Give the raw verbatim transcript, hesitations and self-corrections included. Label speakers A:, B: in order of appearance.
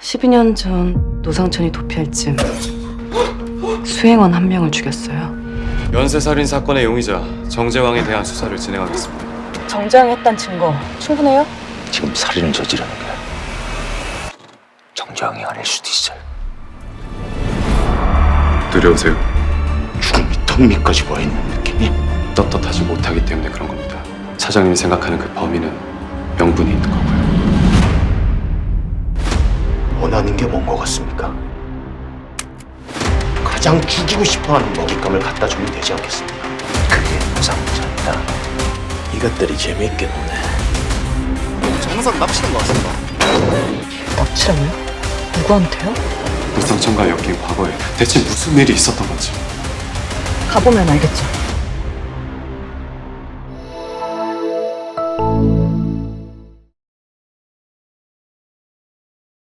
A: 십이 년 전 노상천이 도피할 쯤 수행원 한 명을 죽였어요.
B: 연쇄살인 사건의 용의자 정재왕에 대한 수사를 진행하겠습니다.
A: 정재왕이 했단 증거 충분해요?
C: 지금 살인을 저지르는 게 정재왕이 아닐 수도 있어요.
B: 두려우세요?
C: 죽음이 턱 밑까지 와 있는 느낌이.
B: 떳떳하지 못하기 때문에 그런 겁니다. 차장님이 생각하는 그 범인은 명분이 있는 거고요.
C: 원하는 게 뭔 것 같습니까? 가장 죽이고 싶어하는 먹잇감을 갖다 주면 되지 않겠습니까? 그게 노상자입니다. 이것들이 재미있게 노네. 정상 납치한 것 같습니다.
A: 납치라고요? 누구한테요?
B: 노상천과 엮인 과거에 대체 무슨 일이 있었던 건지.
A: 가보면 알겠죠.